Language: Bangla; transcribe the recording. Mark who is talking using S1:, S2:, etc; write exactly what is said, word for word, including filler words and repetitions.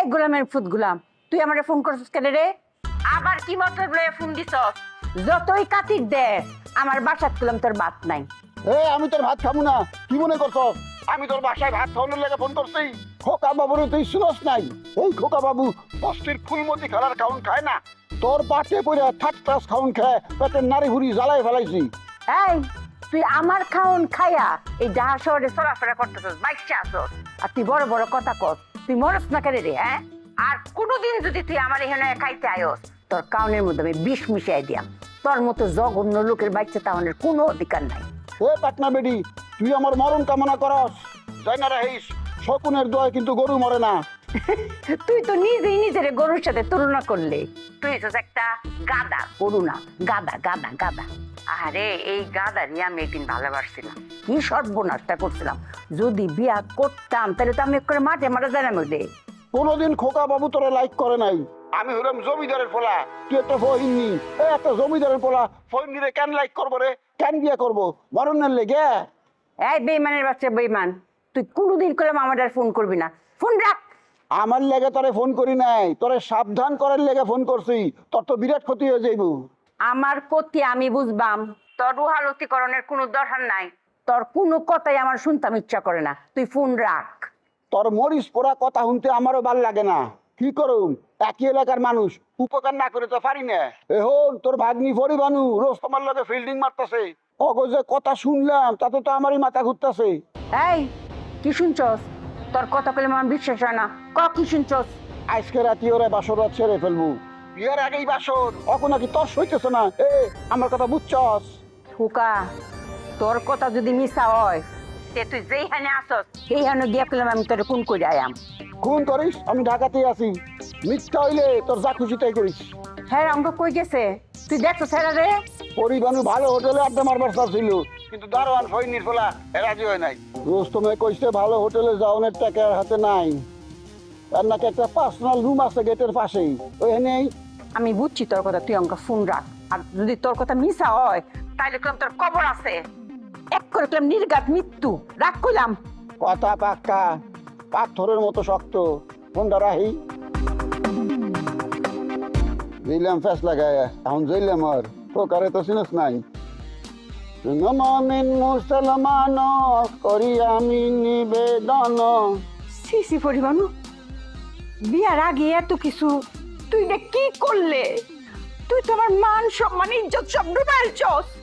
S1: গোলামের ফুট গোলাম, তুই আমারে ফোন করছিস কেন রে? আবার কি মতলব লয়ে ফোন দিছস? যতই কাটির দে, আমার বাসাত গেলাম তোর বাত নাই।
S2: এ আমি তোর ভাত খাবো না, কি মনে করছ? আমি তোর বাসায় ভাত খাওয়ানোর লেগে ফোন করছি। খোকা বাবুর তুই শুনস নাই? এই খোকা বাবু বস্তির ফুলমতি খেলার খাউন খায় না, তোর পাটে পড়ে থার্ড ক্লাস খাউন খায় পেটের নারী ভুড়ি জ্বালাই ফেলাইছি।
S1: এই তুই আমার খাওন খাইয়া এই ডাহা শহরে চলাফেরা করতেছস, বাইকটা আসস, আর তুই বড় বড় কথা কস। তুই মরস না কেন রে? হ্যাঁ, আর কোনোদিন যদি তুই আমার এখানে খাইতে আয়স, তোর কাউনের মধ্যে আমি বিষ মিশাই দিয়াম। তোর মতো জঘন্য লোকের বাচ্চা তাহলে কোনো অধিকার নাই।
S2: এ পাটনা বেডি, তুই আমার মরণ কামনা করস? যাই না রাহিস, শকুনের দোয়া কিন্তু গরু মরে না।
S1: তুই তো নিজেই নিজের গরুর সাথে তুলনা করলে। তুই তো একটা গাদা, গরু না, গাদা গাদা গাদা। আরে এই গাদারই আমি একদিন ভালোবাসছিলাম, কি সর্বনাশটা করছিলাম। যদি বিয়া করতাম তাহলে তো আমি করে মাঠে মারা যায় না মধ্যে।
S2: কোনোদিন খোকা বাবু তোরা লাইক করে নাই। আমি হলাম জমিদারের পোলা, তুই একটা ফহিনী। এ একটা জমিদারের পোলা ফহিনীরে কেন লাইক করবো রে? কেন বিয়ে করবো? মরণের লেগে?
S1: এই বেইমানের বাচ্চা বেইমান, তুই কোনোদিন করলাম আমার আর ফোন করবি না। ফোন রাখ।
S2: আমার লেগে তোরে ফোন করি নাই, তোরে সাবধান করার লেগে ফোন করছি। তোর তো বিরাট ক্ষতি হয়ে যাইব।
S1: আমার ক্ষতি আমি বুঝবাম, তোর রুহালতিকরণের কোনো দরকার নাই। তোর কোনো কথাই আমার শুনতাম ইচ্ছা করে না, তুই ফোন রাখ।
S2: তোর মরিস পোড়া কথা শুনতে আমারও ভাল লাগে না। কি করুম, একই এলাকার মানুষ, উপকার না করে তো পারি না। এখন তোর ভাগ্নি পরিবানু রোজ তোমার লগে ফিল্ডিং মারতেছে। অগো যে কথা শুনলাম তাতে তো আমারই মাথা ঘুরতেছে।
S1: এই কি শুনছস? তোর কথা বলে আমার বিশ্বাস হয় না। ক কি শুনছস?
S2: আজকে রাতি ওরা বাসর রাত ছেড়ে ফেলবো। বিয়ের আগেই বাসর, অখন নাকি তোর সইতেছে না। এ আমার কথা বুঝছস?
S1: হুকা, তোর কথা যদি মিশা হয় তে তুই যেইখানে আসস সেইখানে গিয়া পেলাম আমি তোর কোন করে আয়াম।
S2: খুন করিস, আমি ঢাকাতেই আছি। মিথ্যা হইলে তোর যা খুশি তাই করিস।
S1: হ্যাঁ অঙ্ক কই গেছে? তুই দেখছো ছেড়া রে?
S2: পরিবানু ভালো হোটেলে আড্ডা মারবার চাচ্ছিল, কিন্তু দারোয়ান ফইনির ফেলা রাজি হয় নাই। রোস্তমে কইছে ভালো হোটেলে যাওয়ার টাকা আর হাতে নাই। আর নাকি একটা পার্সোনাল রুম আছে গেটের পাশেই, ওইখানেই।
S1: আমি বুঝছি তোর কথা, তুই অঙ্ক ফোন রাখ। আর যদি তোর কথা মিশা হয় তাইলে কলাম তোর কবর আছে। এক করে কলাম নির্ঘাত মৃত্যু। রাখ কইলাম।
S2: কথা পাক্কা, পাথরের মতো শক্ত। ফোনটা রাহি দিলাম ফেস লাগায়, এখন জইলাম আর প্রকারে তো চিনস নাই। নমিন মুসলমান করি আমি নিবেদন।
S1: সি সি পরিবানু, বিয়ার আগে এত কিছু তুই না কি করলে? তুই তো আমার মান সম্মান ইজ্জত সব ডুবাইছস।